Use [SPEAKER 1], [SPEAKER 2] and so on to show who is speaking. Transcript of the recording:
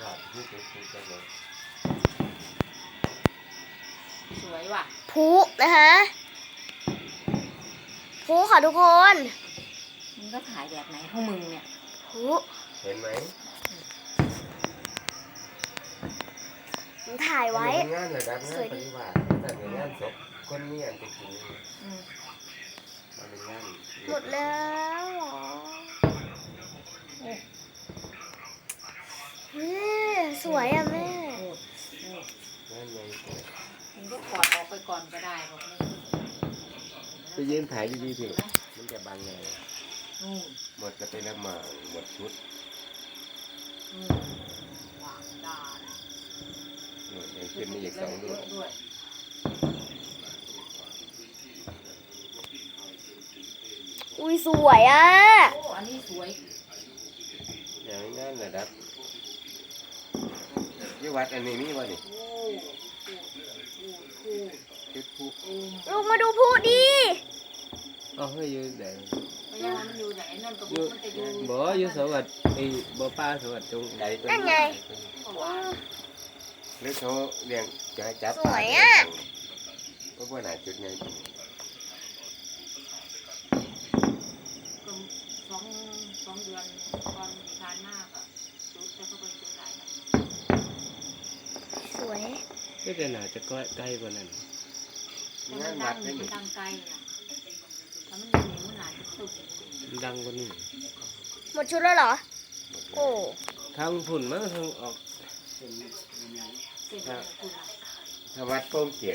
[SPEAKER 1] ที่จุดถูกกันเลย
[SPEAKER 2] สวยว่ะ
[SPEAKER 3] พลุนะคะพลุค่ะทุกคน
[SPEAKER 2] มึงก็ถ่ายแบบไหนของมึงเนี่ย
[SPEAKER 3] พลุ
[SPEAKER 1] เห็นไหม
[SPEAKER 3] ผมถ่ายไว้
[SPEAKER 1] อันนี้งานระดับงานปฏิบัติแต่ในงานศพคนมีอันจะกินมันเป็นงาน
[SPEAKER 3] หมดแล้วเหรอเฮ้ยสวยอ่ะแม่
[SPEAKER 1] งานใหญ่
[SPEAKER 2] มึงก็ถอดออกไปก่อนก็ได้บอกไม่
[SPEAKER 1] ไปยืนถ่ายดีๆสิมันจะบังไง
[SPEAKER 2] นู่น
[SPEAKER 1] หมดจะเป็นละหมาดหมดชุด
[SPEAKER 2] วางดานะ
[SPEAKER 1] ยังขึ้นมีอีก2 ลูก
[SPEAKER 2] ด้วย
[SPEAKER 3] อุ้ยสวยอ่ะ
[SPEAKER 2] โอ้อันนี้สวย
[SPEAKER 1] อย่างงานระดับยี่วัดอันนี้มีวะนี่
[SPEAKER 2] โอ้โอ้
[SPEAKER 1] จุดผู้
[SPEAKER 3] ลงมาดูพลุดิ
[SPEAKER 1] อ๋อเฮ้ยอยู่ไหน
[SPEAKER 2] ไม่ยังมันอยู่ไหนนั่นก็
[SPEAKER 1] อยู่
[SPEAKER 2] มันจะอยู่
[SPEAKER 1] บ่อยู่สวัสดิ์ไอ้บ่ป้าสวัสดิ์จงใดตัว
[SPEAKER 3] นั่นไง
[SPEAKER 1] หรือเขาเลี้ยงจะให้จับ
[SPEAKER 3] สวยอะ
[SPEAKER 1] ก็ว่าหนาจุดไง
[SPEAKER 2] ก็สองเดือนก่อนทานมากอ่ะจุดแต่เขาเป็นจุดหลายนะ
[SPEAKER 3] สวย
[SPEAKER 1] ก็จะหนาจะใกล้กว่านั้น
[SPEAKER 2] แต่
[SPEAKER 1] งา
[SPEAKER 2] มัน น
[SPEAKER 1] วั
[SPEAKER 2] ดั
[SPEAKER 1] ด
[SPEAKER 2] ง
[SPEAKER 1] ได้ห
[SPEAKER 2] มั
[SPEAKER 1] นิ
[SPEAKER 2] นดังไกลอ่ะถ้ามันอยู่นี่มันหนาจะตุก
[SPEAKER 1] ดังกว่านี้
[SPEAKER 3] หมดชุดแล้วเหรอ โอ้
[SPEAKER 1] ทางฝุ่นมั้งทางออก
[SPEAKER 2] เสร็จแล้วคุณอ่ะ
[SPEAKER 1] ทางวัดโป้งเกียร